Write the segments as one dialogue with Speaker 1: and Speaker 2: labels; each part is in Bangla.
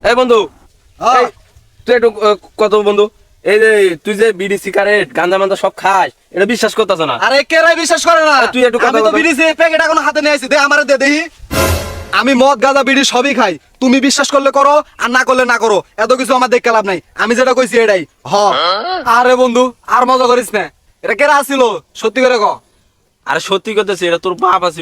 Speaker 1: এই বন্ধু, এই তুই একটু কত বন্ধু, এই যে তুই যে বিড়ি সিগারেট গাঁজা মান্দা সব খাস, এটা বিশ্বাস করতেছ না?
Speaker 2: আরে কেরাই বিশ্বাস করে না?
Speaker 1: তুই একটু
Speaker 2: আমি তো বিড়ি প্যাকেট এখন হাতে নিয়ে আইছি, দে আমারে দে দেখি। আমি মদ গাঁজা বিড়ি সবই খাই, তুমি বিশ্বাস করলে করো আর না করলে না করো, এত কিছু আমার দেখতে লাভ নাই। আমি যেটা কইছি এটাই হ। আরে বন্ধু আর মজা করিস না, এটা কেরা আসিল সত্যি করে ক।
Speaker 1: আরে সত্যি করতেছি, এটা তোর বাপ আছিল।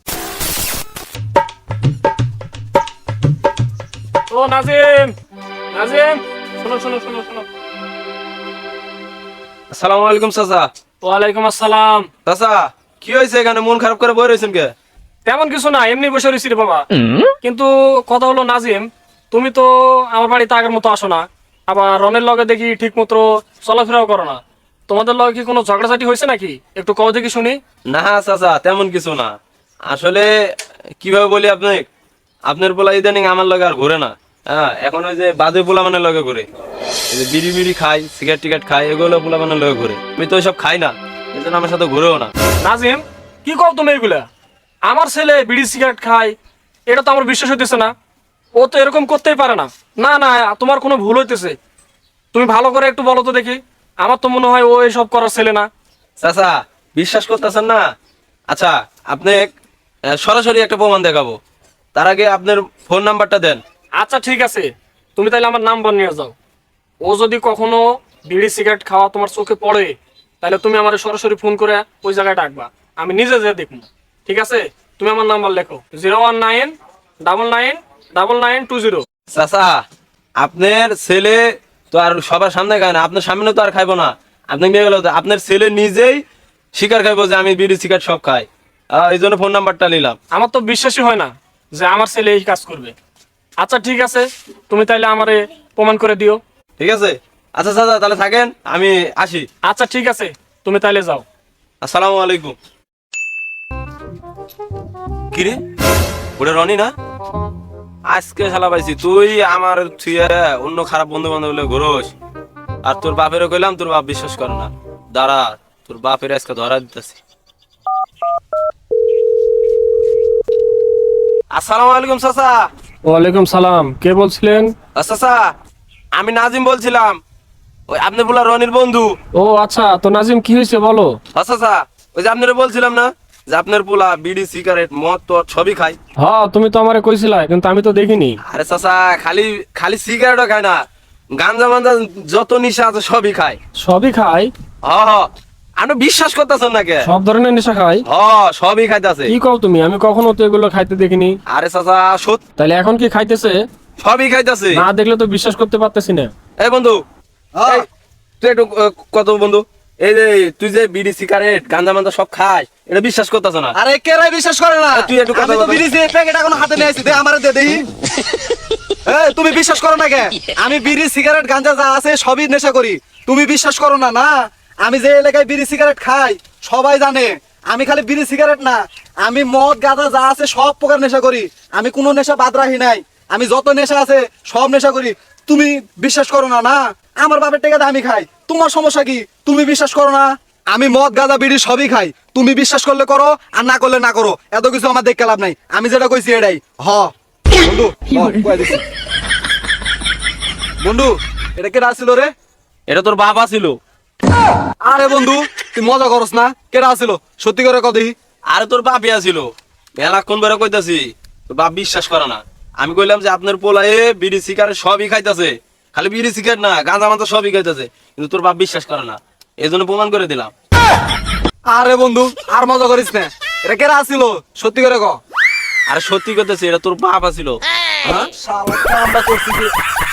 Speaker 3: ও নাজিম, নাজিম, শোনো শোনো শোনো শোনো।
Speaker 1: আসসালামু আলাইকুম চাচা।
Speaker 3: ওয়ালাইকুম আসসালাম।
Speaker 1: চাচা কি হয়েছে, এখানে মন খারাপ করে বই রয়েছেন কে?
Speaker 3: তেমন কিছু না, এমনি বসে রয়েছি রে বাবা। কিন্তু কথা হলো নাজিম, তুমি তো আমার বাড়িতে আগের মতো আসো না, আবার রনের লগে দেখি ঠিক মতো চলাফেরাও করো না। তোমাদের লগে কি কোনো ঝগড়াঝাটি হয়েছে নাকি? একটু কও দেখি শুনি।
Speaker 1: না চাচা, তেমন কিছু না। আসলে কিভাবে বলি আপনি, আপনার পোলা ইদানিং আমার লগে আর ঘুরে না। হ্যাঁ, এখন ওই যে বাদে পোলা মানে লগে ঘুরে, এই যে বিড়ি বিড়ি খাই, সিগারেট টিগারেট খাই, এগুলো পোলা মানে লগে ঘুরে। আমি তো ওইসব খাই না, এই জন্য আমার সাথে ঘুরেও না।
Speaker 3: নাজিম, কি কও তুমি এগুলা? আমার ছেলে বিড়ি সিগারেট খায়, এটা তো আমার বিশ্বাস হইতেছে না। ও তো এরকম করতেই পারে না। না না, তোমার কোনো ভুল হইতেছে। তুমি ভালো করে একটু বলো তো দেখি। আমার তো মনে হয় ও এসব করার ছেলে না।
Speaker 1: চাচা বিশ্বাস করতেছেন না? আচ্ছা, আপনি সরাসরি একটা প্রমাণ দেখাবো, তার আগে আপনার ফোন নাম্বারটা দেন।
Speaker 3: আচ্ছা ঠিক আছে, তুমি তাহলে আমার নাম্বার নিয়ে যাও। ও যদি কখনো বিড়ি সিগারেট খাওয়া তোমার চোখে পড়ে, তাহলে তুমি আমার সরাসরি ফোন করে ওই জায়গায় ডাকবা, আমি নিজে যেয়ে দেখবো। ঠিক আছে, তুমি আমার নাম্বার লেখো 019999920।
Speaker 1: চাচা আপনার ছেলে তো আর সবার সামনে খায় না, আপনার সামনে তো আর খাইবো না। আপনি নিয়ে গেল, আপনার ছেলে নিজেই স্বীকার খাইবো যে আমি বিড়ি সিগারেট সব খাই। এই জন্য ফোন নাম্বারটা নিলাম।
Speaker 3: আমার তো বিশ্বাসই হয় না যে আমার ছেলে এই কাজ করবে। আচ্ছা ঠিক আছে, তুমি তাইলে আমারে প্রমাণ করে দিও।
Speaker 1: ঠিক আছে, আচ্ছা চাচা তাহলে থাকেন, আমি আসি।
Speaker 3: আচ্ছা ঠিক আছে, তুমি তাইলে যাও।
Speaker 1: আসসালামু আলাইকুম। কিরে, ওটা রনি না? আজকে শালা পাইছি, তুই আমার থুয়ে অন্য খারাপ বন্ধু বান্ধব বলে ঘুরোস, আর তোর বাপেরও কইলাম, তোর বাপ বিশ্বাস করে না। দাঁড়া, তোর বাপের আজকে ধরা দিতেছি। আসসালামু আলাইকুম চাচা।
Speaker 3: ওয়ালাইকুম সালাম, কে বলছিলেন?
Speaker 1: চাচা আমি নাজিম বলছিলাম, ওই আপনি বলা রনির বন্ধু।
Speaker 3: ও আচ্ছা, তো নাজিম কি হয়েছে বলো।
Speaker 1: চাচা ওই যে আপনারা বলছিলাম না যে আপনার পোলা বিড়ি সিগারেট মদ তো সবই খায়।
Speaker 3: হ্যাঁ, তুমি তো আমারে কইছিলা, কিন্তু আমি তো দেখিনি।
Speaker 1: আরে চাচা খালি খালি সিগারেটও খায় না, গাঞ্জা মাঞ্জা যত নিশা আছে সবই খায়।
Speaker 3: সবই খাই?
Speaker 1: হ হ, আপনি বিশ্বাস করতেছেন না কে?
Speaker 3: সব ধরনের নেশা খাই?
Speaker 1: হ, সবই খাইতেছে।
Speaker 3: কি কও তুমি? আমি কখনো তো এগুলো খাইতে দেখিনি।
Speaker 1: আরে চাচা সত্যি
Speaker 3: তাহলে এখন কি খাইতেছে?
Speaker 1: সবই খাইতেছে।
Speaker 3: না দেখলে তো বিশ্বাস করতে পারতেছি না।
Speaker 1: এই বন্ধু,
Speaker 2: হ্যাঁ।
Speaker 1: এই, তুই একটু কত বন্ধু, এই যে তুই যে বিড়ি সিগারেট গাঞ্জা মান্দা সব খাস, এটা বিশ্বাস করতেছ না?
Speaker 2: আরে কেরাই বিশ্বাস করে না?
Speaker 1: তুই একটু কথা
Speaker 2: আমি তো
Speaker 1: বল।
Speaker 2: বিড়ি প্যাকেট এখন হাতে নিয়ে আইছি, দে আমারে দে দেখি। এই তুমি বিশ্বাস করো না কে? আমি বিড়ি সিগারেট গাঁজা যা আছে সবই নেশা করি, তুমি বিশ্বাস করো না? না, আমি যে এলাকায় বিড়ি সিগারেট খাই সবাই জানে। আমি খালি বিড়ি সিগারেট না, আমি মদ গাঁজা যা আছে সব প্রকার নেশা করি, আমি কোনো নেশা বাদ রাখি নাই। আমি যত নেশা আছে সব নেশা করি, তুমি বিশ্বাস করো না? না, আমার বাপের টাকাতে আমি খাই, তোমার সমস্যা কি? তুমি বিশ্বাস করো না? আমি মদ গাঁজা বিড়ি সবই খাই, তুমি বিশ্বাস করলে করো আর না করলে না করো, এত কিছু আমার দেখতে লাভ নাই। আমি যেটা কইছি এটাই হ। বন্ধু কয়ে দিছি। বন্ধু এটা কেটা আসছিল রে?
Speaker 1: এটা তোর বাবা ছিল।
Speaker 2: আরে বন্ধু তুই মজা করস না, কেটা আসছিল সত্যি করে কও দেখি।
Speaker 1: আরে তোর বাপই আছিল, মেলাক্ষণ বেড়া কইতাছি, তোর বাপ বিশ্বাস করে না। আমি কইলাম যে আপনার পোলায় বিড়ি সিগারেট সবই খাইতেছে, খালি বিড়ি সিগারেট না গাঁজা মাথা সবই খাইতেছে, কিন্তু তোর বাপ বিশ্বাস করে না, এই জন্য প্রমাণ করে দিলাম।
Speaker 2: আরে বন্ধু আর মজা করিস না, এটা কেটা আসছিল সত্যি করে ক।
Speaker 1: আরে সত্যি কইতাছি, এটা তোর বাপ আছিল।
Speaker 2: শালা কামটা করছিস।